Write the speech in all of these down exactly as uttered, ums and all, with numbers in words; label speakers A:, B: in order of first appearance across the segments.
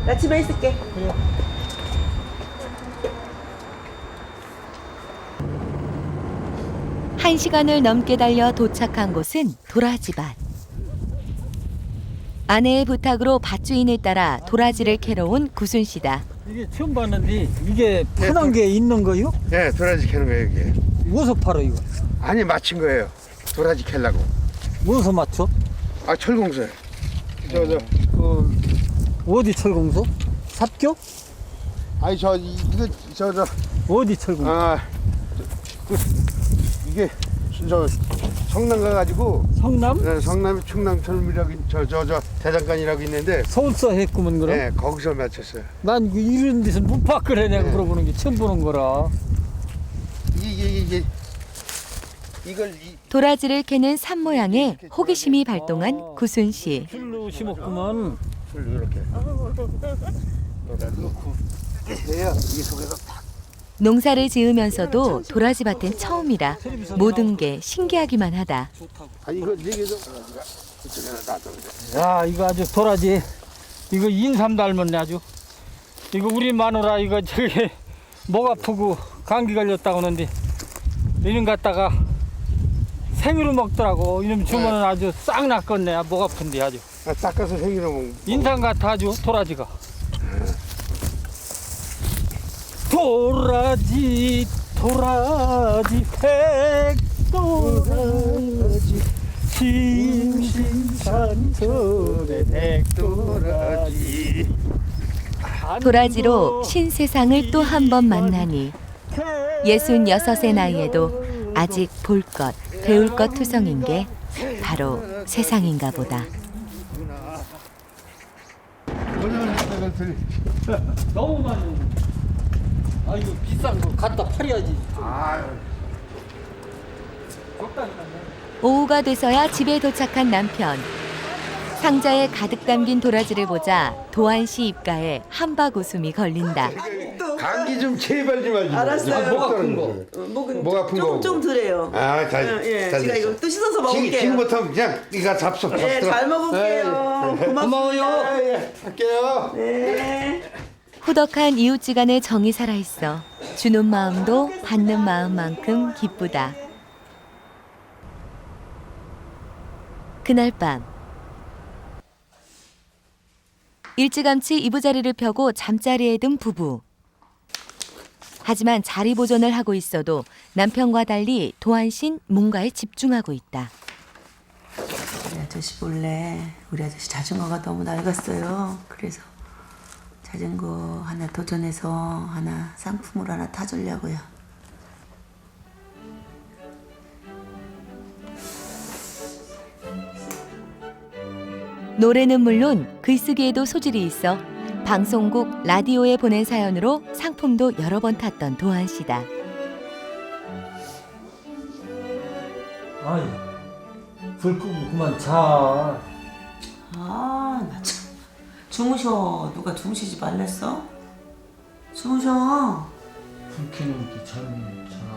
A: 나 집에 있을게.
B: 그래.
C: 한 시간을 넘게 달려 도착한 곳은 도라지밭. 아내의 부탁으로 밭주인을 따라 도라지를 캐러 온 구순 씨다.
B: 이게 처음 봤는데 이게 파는 게 있는 거요?
D: 예, 도라지 캐는 거예요, 이게.
B: 어디서 팔아 이거?
D: 아니, 맞힌 거예요. 도라지 캐려고.
B: 어디서 맞춰?
D: 아, 철공소요. 저, 저.
B: 그 어디 철공소? 삽교?
D: 아니, 저, 이- 이거, 저, 저.
B: 어디 철공소?
D: 아, 그, 이게, 저, 성남 가가지고.
B: 성남?
D: 네, 성남이 충남철미라고, 저, 저, 저, 대장간이라고 있는데.
B: 서울서 했구먼 그럼?
D: 네, 거기서 맞췄어요.
B: 난 이거 이런 데서 못 봤거래 내가
D: 네.
B: 물어보는 게 처음 보는 거라.
D: 이게, 이게, 이게. 이걸, 이,
C: 도라지를 캐는 산 모양에 호기심이 발동한 구순 씨.
B: 줄로 심었구먼.
D: 줄 이렇게.
B: 넣고.
D: 해야 이 속에서 탁.
C: 농사를 지으면서도 도라지 밭은 처음이라 모든 게 신기하기만 하다.
D: 아니, 이거, 이게, 저, 도라지가 이쪽에다 놔뒀는데.
B: 야 이거 아주 도라지. 이거 인삼 닮았네 아주. 이거 우리 마누라 이거 저기 목 아프고 감기 걸렸다고 하는데 이놈 갖다가 생으로 먹더라고. 이놈 주면은 아주 싹 낫겠네. 목 아픈데 아주.
D: 아, 닦아서 생기는 거.
B: 인삼 같아 아주 도라지가. 도라지 도라지 백도라지 심심산천의 백도라지.
C: 도라지로 신세상을 또 한 번 만나니 예순여섯의 나이에도 아직 볼 것, 배울 것 투성인 게 바로 세상인가 보다.
B: 너무 많이. 아 이거 비싼 거 갖다 팔아야지.
C: 오후가 돼서야 집에 도착한 남편. 상자에 가득 담긴 도라지를 보자 도한 씨 입가에 한박 웃음이 걸린다.
D: 감기 좀 제발 좀 하지.
A: 알았어요.
B: 목 아픈 거.
A: 어, 목은
D: 목 아픈
A: 좀,
D: 거.
A: 좀 덜해요.
D: 아, 잘.
A: 어, 예,
D: 잘
A: 제가
D: 됐어.
A: 이거 또 씻어서
D: 지금,
A: 먹을게요.
D: 지금부터 그냥 이거 잡숴.
A: 네,
D: 잡숴.
A: 잘 먹을게요. 고맙습니다.
D: 예, 예. 할게요.
A: 네.
C: 후덕한 이웃지간의 정이 살아있어 주는 마음도 받는 마음만큼 기쁘다. 그날 밤 일찌감치 이부자리를 펴고 잠자리에 든 부부. 하지만 자리 보존을 하고 있어도 남편과 달리 도한 씨는 뭔가에 집중하고 있다.
A: 우리 아저씨 몰래 우리 아저씨 자전거가 너무 낡았어요. 그래서 자전거 하나 도전해서 하나 상품으로 하나 타주려고요.
C: 노래는 물론 글쓰기에도 소질이 있어 방송국, 라디오에 보낸 사연으로 상품도 여러 번 탔던 도한 씨다.
B: 아이 불 끄고 그만 자.
A: 아, 나 참. 주무셔. 누가 주무시지 말랬어? 주무셔.
B: 불 켜는 게 잘못 잘.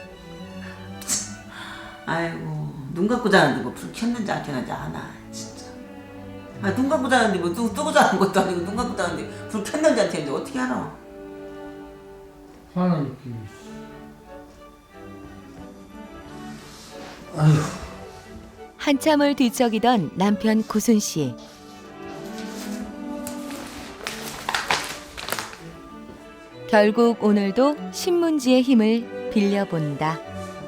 A: 아이고, 눈 감고 자는데 뭐 불 켰는지 안 켰는지 아나, 진짜. 아, 눈 감고 자는데 뭐 뜨, 뜨고 자는 것도 아니고 눈 감고 자는데 불 켰는지 안 켰는지 어떻게 알아?
B: 화나 있기. 아휴.
C: 한참을 뒤척이던 남편 구순 씨. 결국 오늘도 신문지의 힘을 빌려본다.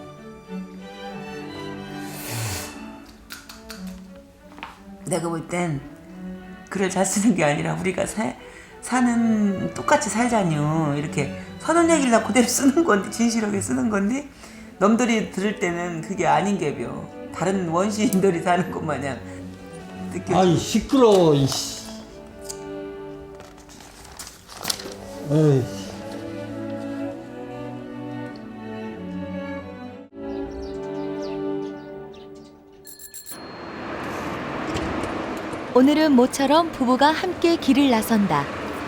A: 내가 볼 땐 글을 잘 쓰는 게 아니라 우리가 사, 사는 똑같이 살자뇨. 이렇게 선언 얘기를 그대로 쓰는 건데, 진실하게 쓰는 건데 남들이 들을 때는 그게 아닌 게벼. 다른 원시인들이 사는 것 마냥 느껴져.
B: 아이 시끄러워 이씨. 에이.
C: 오늘은 모처럼 부부가 함께 길을 나선다.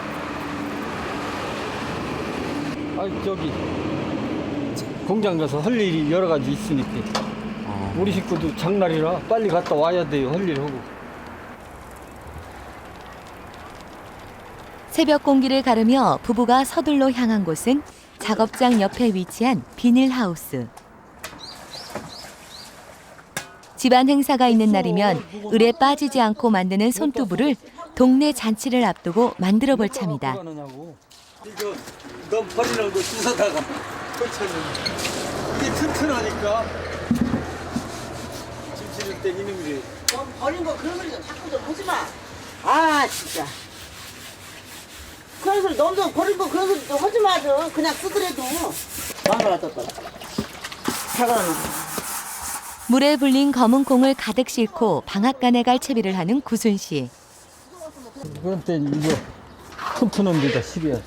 B: 아이 저기 공장 가서 할 일이 여러 가지 있으니까 우리 식구도 장날이라 빨리 갔다 와야 돼요. 할 일 하고.
C: 새벽 공기를 가르며 부부가 서둘러 향한 곳은 작업장 옆에 위치한 비닐하우스. 집안 행사가 있는 날이면 을에 빠지지 않고 만드는 손두부를 동네 잔치를 앞두고 만들어 볼 참이다.
B: 이거 넌 버리는 거 주워다가 이게 튼튼하니까 김치를 때 이놈이
E: 너 버린 거 그런 소리 좀 자꾸 좀 하지 마. 아 진짜. 그런 소리 너무 버린 거 그런 소리 좀 하지 마 좀. 그냥 쓰더라도. 망가라 떴더라. 사과는.
C: 물에 불린 검은 콩을 가득 싣고 방앗간에 갈 채비를 하는 구순 씨.
B: 그런 때 이거 튼튼한 데다 실어야지.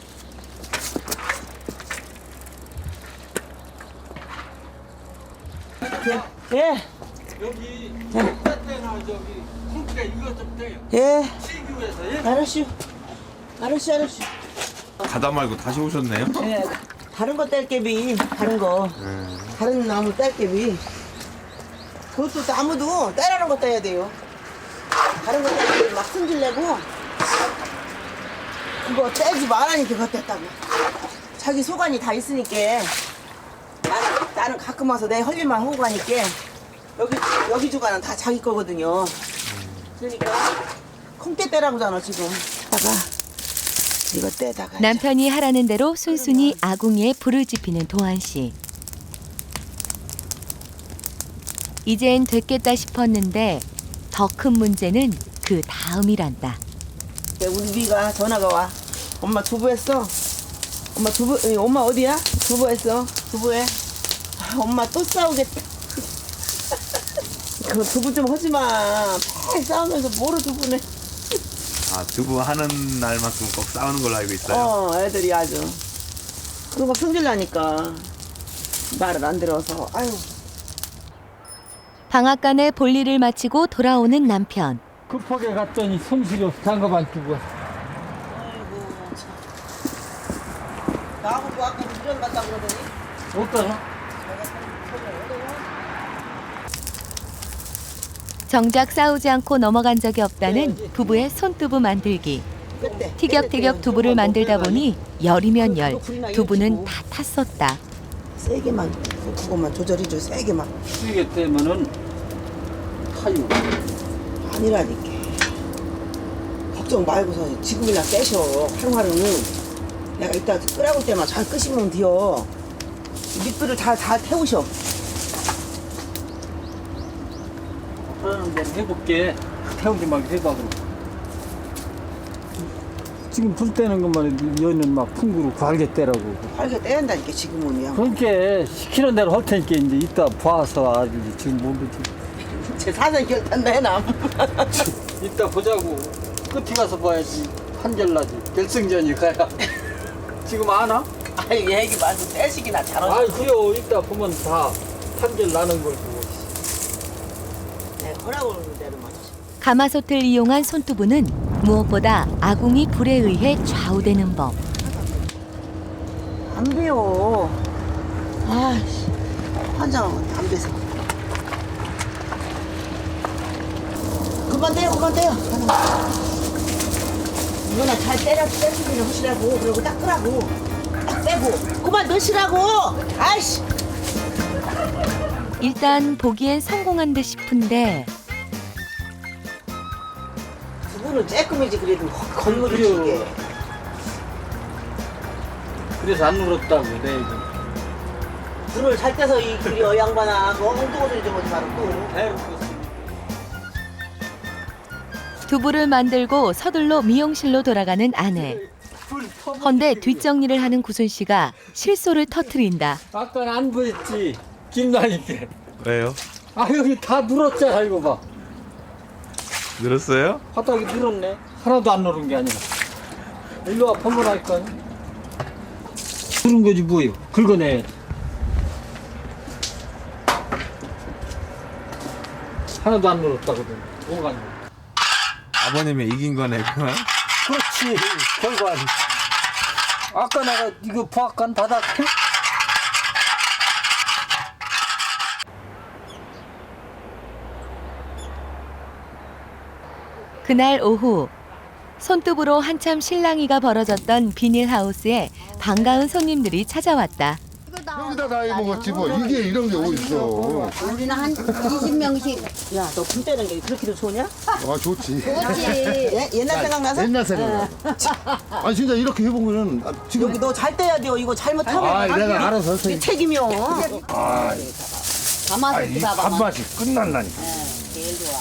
E: 예.
B: 여기 때나 저기 콩기가 이거 좀 떼요.
E: 예.
B: 시기에서 예?
E: 알았슈. 알았슈 알았슈.
F: 가다 말고 다시 오셨네요?
E: 예. 다른 거 뗄개비. 다른 거. 다른 나무 뗄개비. 그것도 나무도 떼라는 거 떼야 돼요. 다른 거 떼기 막 승질내고 그거 떼지 말라니까 그거 뗐다고. 자기 소관이 다 있으니까 나는, 나는 가끔 와서 내 할 일만 하고 가니까 여기 여기 주가는 다 자기 거거든요. 그러니까 콩떼 떼라고잖아 지금. 다가 이거 떼다가
C: 남편이 하라는 대로 순순히 아궁이에 불을 지피는 도한 씨. 이젠 됐겠다 싶었는데 더 큰 문제는 그 다음이란다.
E: 우리 비가 전화가 와. 엄마 두부했어. 엄마 두부, 에, 엄마 어디야? 두부했어. 두부해. 아, 엄마 또 싸우겠다. 그 두부 좀 하지 마. 팍 싸우면서 뭐로 두부네.
F: 아, 두부 하는 날만큼 꼭 싸우는 걸로 알고 있어요.
E: 어, 애들이 아주. 그거 성질 나니까 말을 안 들어서. 아유.
C: 방앗간에 볼일을 마치고 돌아오는 남편.
B: 급하게 갔더니 손실이 장갑 안 끼고 왔어.
E: 아이고 참. 나하고 아까 미련 갔다 그러더니.
B: 어떠나?
C: 정작 싸우지 않고 넘어간 적이 없다는 부부의 손두부 만들기.
E: 그때.
C: 티격태격 두부를 만들다 보니 열이면 열, 두부는 다 탔었다.
E: 세게만 그거만 조절해줘. 세게만.
B: 쓰게 되면은 타요.
E: 아니라니까. 걱정 말고서 지금이나 떼셔. 하루하루는 내가 이따 끓여올 때만 잘 끄시면 돼요. 밑불을 다, 다 태우셔.
B: 그러는 대로 해볼게. 태우지 말고 해봐 그럼. 지금 불 때는 것만 해도 여는 막 풍구로 갈게 떼라고.
E: 활게 떼야 한다니까 지금은요.
B: 그러니까 시키는 대로 할 테니까 이제 이따 봐서 알지. 지금 모르지.
E: 제 사전 결단도 해놔.
B: 이따 보자고. 끝에 가서 봐야지. 한결나지. 결승전이 가야. 지금 아나?
E: 아니 얘기 말고 떼시기나 잘하셔.
B: 아이 그래요. 이따 보면 다 한결 나는 걸 보고.
E: 내가 허락 오는 대로만 하셔.
C: 가마솥을 이용한 손두부는 무엇보다 아궁이 불에 의해 좌우되는 법.
E: 안 배워. 아이씨. 환장하고 안 배서. 그만 떼요, 그만 떼요. 이거나 잘 때려, 떼기를 하시라고. 그리고 딱 끄라고. 딱 빼고. 그만 넣으시라고! 아이씨!
C: 일단 보기엔 성공한 듯 싶은데
E: 두부는 쬐끔이지, 그래도 건물을
B: 그래요.
E: 치게.
B: 그래서 안 눌렀다고 내 얘기.
E: 불을 잘 떼서 이 길이 어 양반아. 너 엉뚱한 소리 좀 하지 말고 또.
C: 두부를 만들고 서둘러 미용실로 돌아가는 아내. 헌데 뒷정리를 하는 구순 씨가 실소를 터트린다.
B: 아까는 안 보였지. 김나니까.
F: 왜요?
B: 아 여기 다 눌었잖아 이거 봐.
F: 늘었어요?
B: 바닥이 늘었네. 하나도 안 누른 게 아니라. 일로 와 pomo라니까. 누른 거지 뭐예요. 긁어내. 하나도 안 눌었다거든. 뭐가 안 눌어.
F: 아버님이 이긴 거네, 그만.
B: 그렇지. 결과는. 아까 내가 이거 부악한 바닥 해?
C: 그날 오후 손톱으로 한참 실랑이가 벌어졌던 비닐하우스에 반가운 손님들이 찾아왔다.
D: 여기다 다 해먹었지 뭐. 이게 이런 게 어딨어.
G: 우리는 한 이십 명씩.
E: 야, 너 품 떼는 게 그렇게도 좋냐?
D: 아 좋지.
G: 그렇지.
E: 예? 옛날 생각나서?
D: 옛날 생각. 아 진짜 이렇게 해보면은 아, 지금
E: 여기 너 잘 떼야 돼요. 이거 잘못하면
D: 아 내가 알아서
E: 이게
D: 할게.
E: 책임이요.
D: 아,
G: 가마솥
D: 이
G: 봐봐.
D: 밥맛이 끝난다니까.
G: 제일 좋아.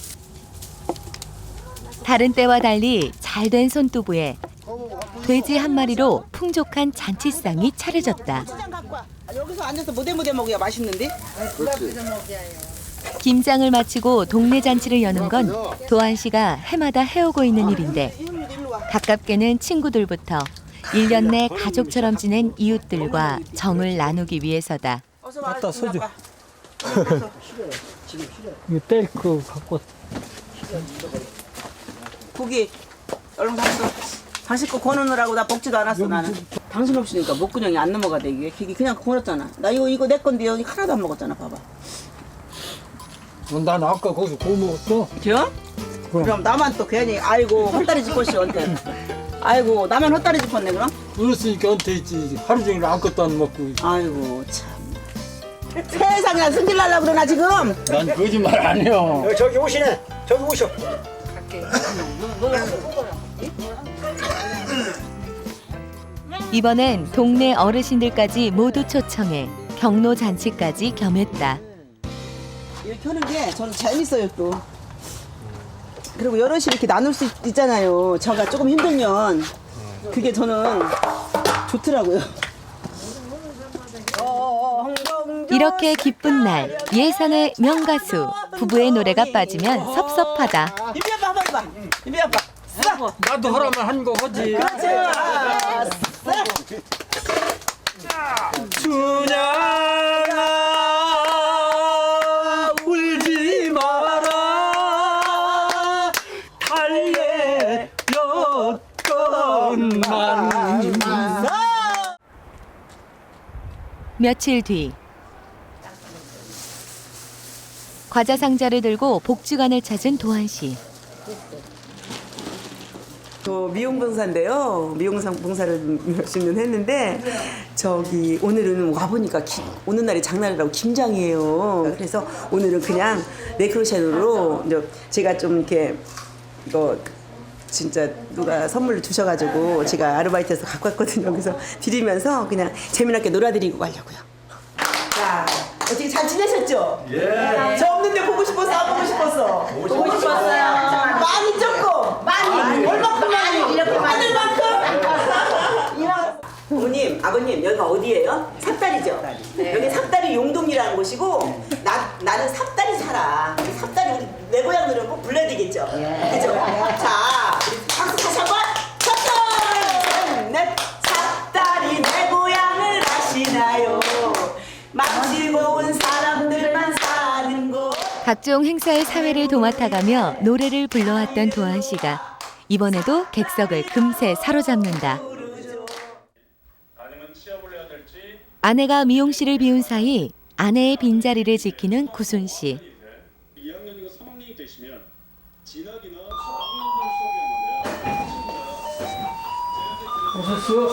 C: 다른 때와 달리 잘된 손두부에 돼지 한 마리로 풍족한 잔치상이 차려졌다.
E: 고추장 갖고 와. 아, 여기서 앉아서 무대무대 먹어야 맛있는데?
C: 김장을 마치고 동네 잔치를 여는 건 도한 씨가 해마다 해오고 있는 일인데
E: 이놈도 일로 와.
C: 가깝게는 친구들부터 일 년 내 가족처럼 지낸 이웃들과 정을 나누기 위해서다.
E: 어서 와.
B: 갖다 서줘.
E: 와.
B: 이거 뗄거 갖고
E: 고기 얼른 잡숴. 당신 거 거느느라고 나 먹지도 않았어 나는. 당신 없으니까 목구멍이 안 넘어가대 이게. 이게 그냥 거렸잖아. 나 이거 이거 내 건데 여기 하나도 안 먹었잖아. 봐봐.
B: 난 아까 거기서 구워 먹었어.
E: 그럼? 그럼 나만 또 괜히 아이고 헛다리 짚었시 언제. 아이고 나만 헛다리 짚었네 그럼?
B: 그랬으니까 언제 있지. 하루 종일 아무것도 안 먹고.
E: 아이고 참. 세상에 승질 날라 그러나 지금?
B: 난 거짓말 안 해요.
H: 저기 오시네. 저기 오셔.
C: 이번엔 동네 어르신들까지 모두 초청해 경로 잔치까지 겸했다.
E: 이렇게 하는 게 저는 재밌어요 또. 그리고 여럿이 이렇게 나눌 수 있잖아요. 제가 조금 힘들면 그게 저는 좋더라고요.
C: 이렇게 기쁜 날 예산의 명가수 부부의 노래가 빠지면 섭섭하다.
E: 인비 아빠 한번 해봐. 인비 아빠. 싹.
B: 나도 하라면 한 거 하지.
E: 그렇지. 싹.
B: 춘향아 울지 마라 달래였건만.
C: 며칠 뒤 과자 상자를 들고 복지관을 찾은 도한 씨.
A: 저 미용봉사인데요. 미용봉사를 몇십 년 했는데 저기 오늘은 와보니까 기, 오는 날이 장날이라고 김장이에요. 그래서 오늘은 그냥 네크로샤로 이제 제가 좀 이렇게 이거 진짜 누가 선물로 주셔가지고 제가 아르바이트해서 갖고 왔거든요. 그래서 드리면서 그냥 재미나게 놀아드리고 가려고요. 자, 어떻게 잘 지내셨죠? 예. 저 없는데 보고 싶어서 안 보고 싶었어. 보고 싶었어요. 많이 조금 많이 얼마큼 많이 이렇게 많을 만큼. 어머님, 아버님 여기가 어디예요? 삽다리죠. 여기 삽다리 용동이라는 곳이고 나 나는 삽다리 살아. 삽다리 우리 내 고향들은 꼭 불러야 되겠죠. 그죠? 자, 우리 박수 다시 한번. 첫째, 넷, 삽다리 내 고향을 아시나요? 마치고 온 사람들만 사는 곳.
C: 각종 행사의 사회를 도맡아가며 노래를 불러왔던 도한 씨가 이번에도 객석을 금세 사로잡는다. 아내가 미용실을 비운 사이 아내의 빈자리를 지키는 구순 씨.
I: 이 학년이고 삼 학년이 되시면 진학이나
B: 오셨어요?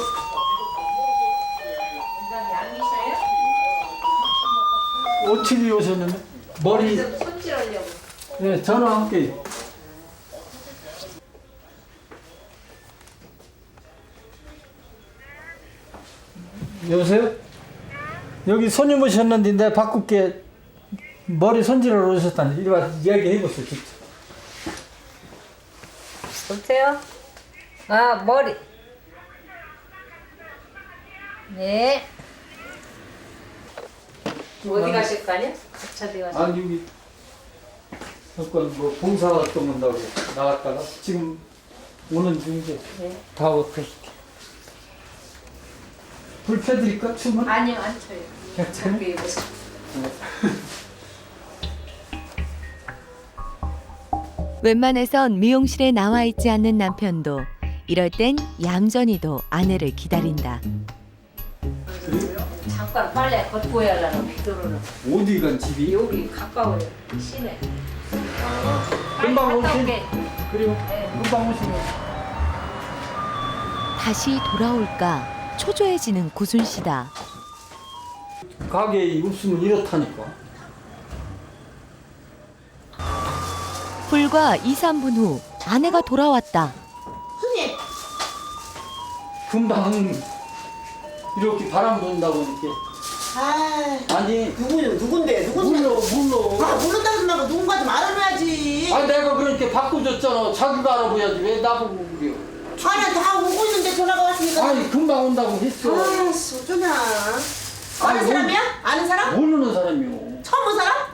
B: 어떻게 오셨는데? 머리 손질하려고. 네, 전화할게. 여보세요? 여기 손님 오셨는데 내가 바꿀게. 머리 손질하러 오셨다니. 이리 와 이야기 해보세요. 직접.
J: 보세요. 아, 머리. 네. 어디 가실 거 아니야? 어디 가실
B: 아니 여기 잠깐 뭐 봉사활동 한다고 나갔다가 지금 오는 중인데
J: 네.
B: 다 어떻게 불 켜드릴까? 춤은?
J: 아니요, 안 쳐요.
B: 괜찮아요?
J: 저기 보세요.
C: 웬만해선 미용실에 나와 있지 않는 남편도 이럴 땐 얌전히도 아내를 기다린다.
J: 잠깐 빨래 걷고 해야라는 비도로는
B: 어디 간 집이?
J: 여기 가까워요. 시내.
B: 금방
J: 갔다
B: 오신?
J: 올게.
B: 그래요?
J: 네.
B: 금방 오시면
C: 다시 돌아올까 초조해지는 구순 씨다.
B: 가게에 없으면 이렇다니까.
C: 불과 이, 삼 분 후 아내가 돌아왔다.
E: 손님,
B: 금방 이렇게 바람 분다고 이렇게.
E: 아,
B: 아니
E: 누구 누군데 누군데?
B: 물러 물러.
E: 아, 모른다고 하지 말고 누군가 좀 알아놔야지.
B: 아니 내가 그렇게 바꿔줬잖아. 자기가 알아보야지 왜 나보고 그래요.
E: 아니, 다 오고 있는데 전화가 왔으니까.
B: 아니 금방 온다고 했어.
E: 아씨, 어쩌냐. 아는
B: 아니,
E: 사람이야? 아는 사람?
B: 모르는 사람이요.
E: 처음 본 사람?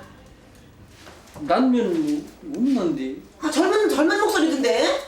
B: 난면은 없는데.
E: 아, 젊은 젊은 목소리던데.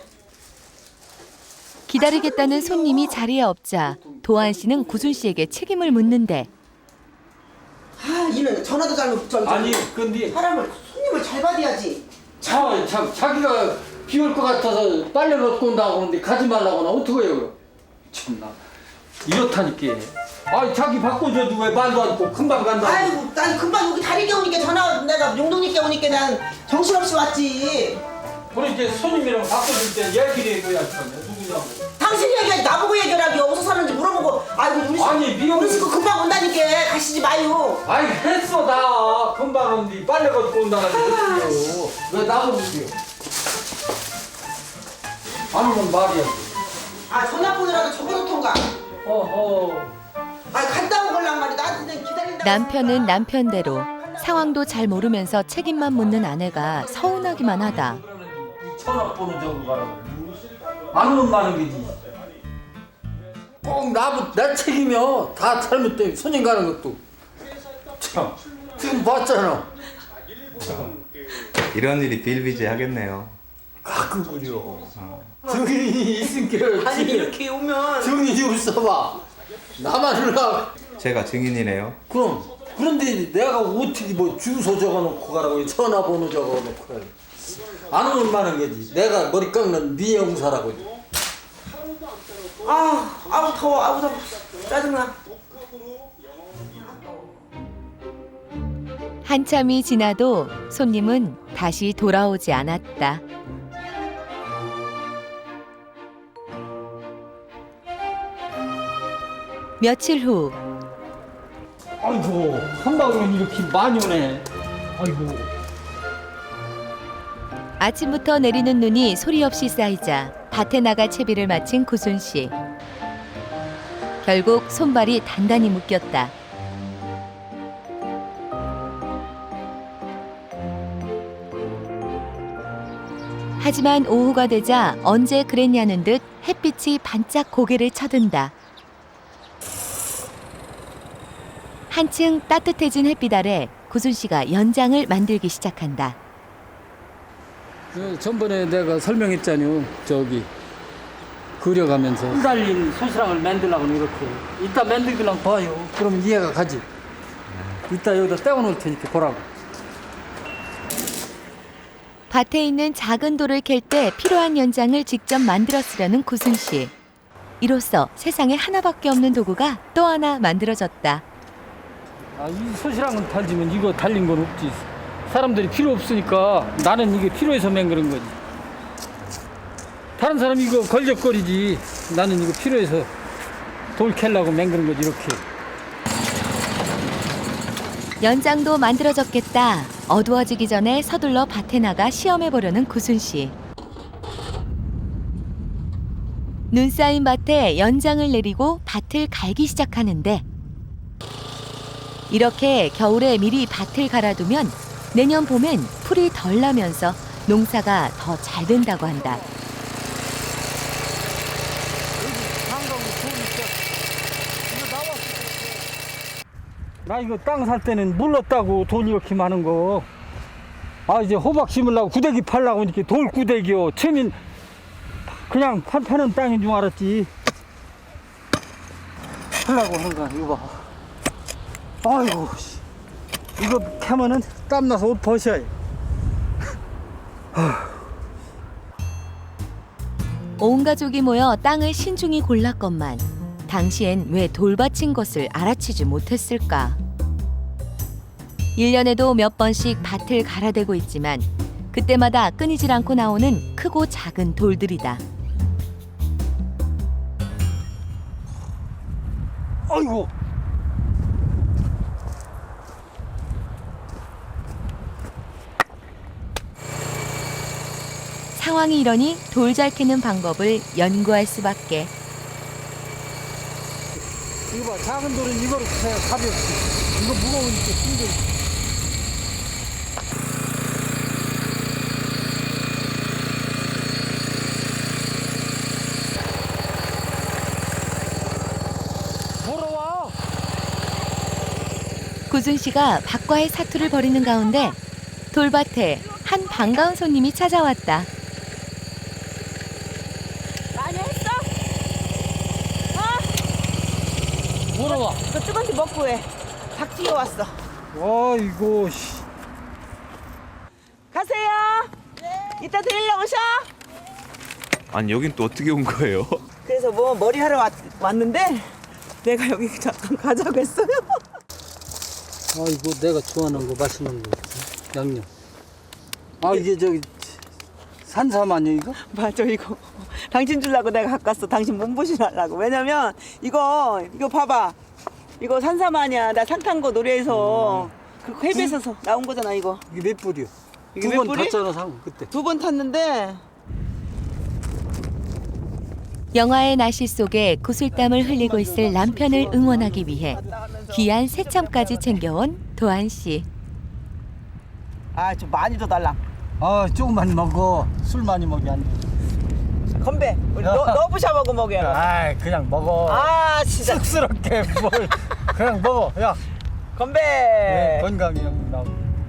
C: 기다리겠다는 손님이 자리에 없자 도한 씨는 구순 씨에게 책임을 묻는데
E: 아, 이는 전화도 잘못 전
B: 아니 근데
E: 사람을 손님을 잘 받아야지.
B: 자, 자 자기가 비올 것 같아서 빨래 넣고 온다고 그러는데 가지 말라고 나 어떻게 해요? 참나 이렇다니까. 아니 자기 바꿔줘도 왜 말도 않고 금방 간다고.
E: 아이고, 난 금방 여기 다리게 오니까 전화 내가 용동님께 오니까 난 정신없이 왔지.
B: 그래 이제 손님이랑 바꿔줄 때 얘기를 해줘야지. 누구냐고.
E: 당신이 얘기하지 나보고 얘기하라기 어디서 사는지 물어보고. 아이고, 우리 식
B: 아니, 미용-
E: 우리 식구 금방 온다니까 가시지 마요.
B: 아이 했어 다 금방 온디 빨래 걷고 온다고 했어요. 왜 나보고 그래요? 아니면 말이야.
E: 아, 전화번호라도 적어놓던가.
B: 어허.
E: 아, 갔다 온 걸랑 말이 나한테 기다린다.
C: 남편은 남편대로 상황도 잘 모르면서 책임만 묻는 아내가 서운하기만 하다.
B: 전화번호 적어 가라고. 안 오면 많은 게지. 꼭 나부 내 책임이야. 다 잘못돼. 손님 가는 것도. 참 지금 봤잖아.
F: 이런 일이 비일비재하겠네요.
B: 가끔 그려. 증인이 있으니까.
E: 아니, 이렇게 오면
B: 증인이 없어봐. 나만 올라.
F: 제가 증인이네요.
B: 그럼 그런데 내가 어떻게 뭐 주소 적어놓고 가라고 전화번호 적어놓고 가라고. 안 오면 많은 거지. 내가 머리 깎는 네 형사라고.
E: 아, 아우 더워, 아우 더워, 짜증나.
C: 한참이 지나도 손님은 다시 돌아오지 않았다. 며칠 후
B: 아이고 한 방울은 이렇게 많이 오네. 아이고.
C: 아침부터 내리는 눈이 소리 없이 쌓이자 밭에 나가 채비를 마친 구순 씨. 결국 손발이 단단히 묶였다. 하지만 오후가 되자 언제 그랬냐는 듯 햇빛이 반짝 고개를 쳐든다. 한층 따뜻해진 햇빛 아래 구순 씨가 연장을 만들기 시작한다.
B: 그 전번에 내가 설명했잖요. 저기 그려가면서 풀 달린 소시랑을 만들려고 이렇게. 이따 만들기랑 봐요. 그럼 이해가 가지. 이따 여기다 떼어놓을 테니까 보라고.
C: 밭에 있는 작은 돌을 캘 때 필요한 연장을 직접 만들어 쓰려는 구순 씨. 이로써 세상에 하나밖에 없는 도구가 또 하나 만들어졌다.
B: 아, 이 소시랑은 달지면 이거 달린 건 없지. 사람들이 필요 없으니까 나는 이게 필요해서 맨 그런 거지. 다른 사람 이거 걸적거리지. 나는 이거 필요해서 돌 캘라고 맨 그런 거지 이렇게.
C: 연장도 만들어졌겠다. 어두워지기 전에 서둘러 밭에 나가 시험해보려는 구순 씨. 눈 쌓인 밭에 연장을 내리고 밭을 갈기 시작하는데 이렇게 겨울에 미리 밭을 갈아두면 내년 봄엔 풀이 덜 나면서 농사가 더 잘 된다고 한다.
B: 나 이거 땅 살 때는 몰랐다고 돈 이렇게 많은 거. 아 이제 호박 심으려고 구데기 팔려고 이렇게 돌 구데기요. 처음엔 그냥 판 파는 땅인 줄 알았지. 팔려고 하는 거야 이거 봐. 아이고 씨. 이거 캐면은 땀나서 옷 벗어야 해.
C: 온 가족이 모여 땅을 신중히 골랐건만 당시엔 왜 돌밭인 것을 알아채지 못했을까? 일 년에도 몇 번씩 밭을 갈아대고 있지만 그때마다 끊이질 않고 나오는 크고 작은 돌들이다.
B: 아이고.
C: 상황이 이러니 돌 잘 캐는 방법을 연구할 수밖에.
B: 이거 봐, 작은 돌은 이거로 캐 가볍지. 이거 무거우니까 힘들어. 돌아와.
C: 구순 씨가 박과의 사투를 벌이는 가운데 돌밭에 한 반가운 손님이 찾아왔다.
E: 많이 했어?
B: 돌아와.
E: 이거 뜨거운데 먹고 해. 닭 튀겨왔어.
B: 아이고 씨.
E: 가세요. 이따 데리러 오셔.
F: 아니 여긴 또 어떻게 온 거예요?
E: 그래서 뭐 머리 하러 왔, 왔는데 내가 여기 잠깐 가자고 했어요.
B: 아이고 내가 좋아하는 거 맛있는 거 있어. 양념. 아 이게 저기 산삼 아니야 이거?
E: 맞아 이거. 당신 주려고 내가 갖고 왔어. 당신 몸보신하려고. 왜냐면 이거 이거 봐봐. 이거 산삼 아니야. 나 상탄거 노래에서 그 회비에서 나온 거잖아 이거.
B: 이게 몇 불이요?
E: 이게
B: 두
E: 몇
B: 번
E: 불이?
B: 탔잖아 상 그때.
E: 두 번 탔는데
C: 영화의 나시 속에 구슬땀을 흘리고 있을 남편을 응원하기 위해 귀한 새참까지 챙겨온 도한 씨.
E: 아 좀 많이 더 달라.
B: 아 조금만 먹어. 술 많이 먹이 안 돼.
E: 건배. 우리 너, 너부샤 먹어야.
B: 아 그냥 먹어.
E: 아 진짜.
B: 쑥스럽게 뭘 그냥 먹어. 야
E: 건배.
B: 네, 건강해 나.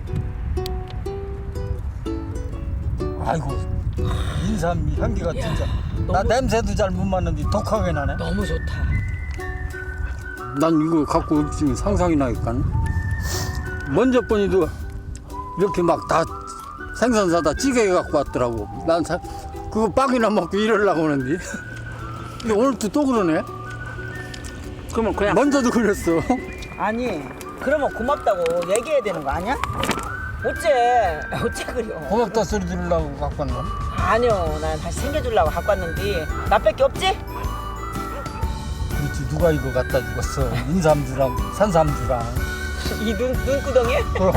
B: 아이고 인삼 향기가 진짜. 나 냄새도 잘 못 맡는데 독하게 나네.
E: 너무 좋다.
B: 난 이거 갖고 있으면 상상이 나니까. 먼저 번이도 이렇게 막 다 생선 사다 찌개 갖고 왔더라고. 난 사, 그거 빵이나 먹고 이러려고 하는데. 근데 오늘도 또 그러네.
E: 그러면 그냥.
B: 먼저도 그랬어.
E: 아니 그러면 고맙다고 얘기해야 되는 거 아니야? 어째 어째 그려.
B: 고맙다 소리 들으려고 갖고 왔나?
E: 아니요 난 다시 챙겨주려고 갖고 왔는데 나밖에 없지?
B: 그렇지 누가 이거 갖다 주겠어. 인삼주랑 산삼주랑.
E: 이 눈 눈구덩이?
B: 그럼.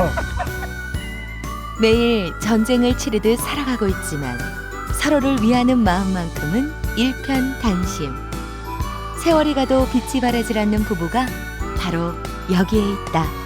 C: 매일 전쟁을 치르듯 살아가고 있지만 서로를 위하는 마음만큼은 일편단심. 세월이 가도 빛이 바라질 않는 부부가 바로 여기에 있다.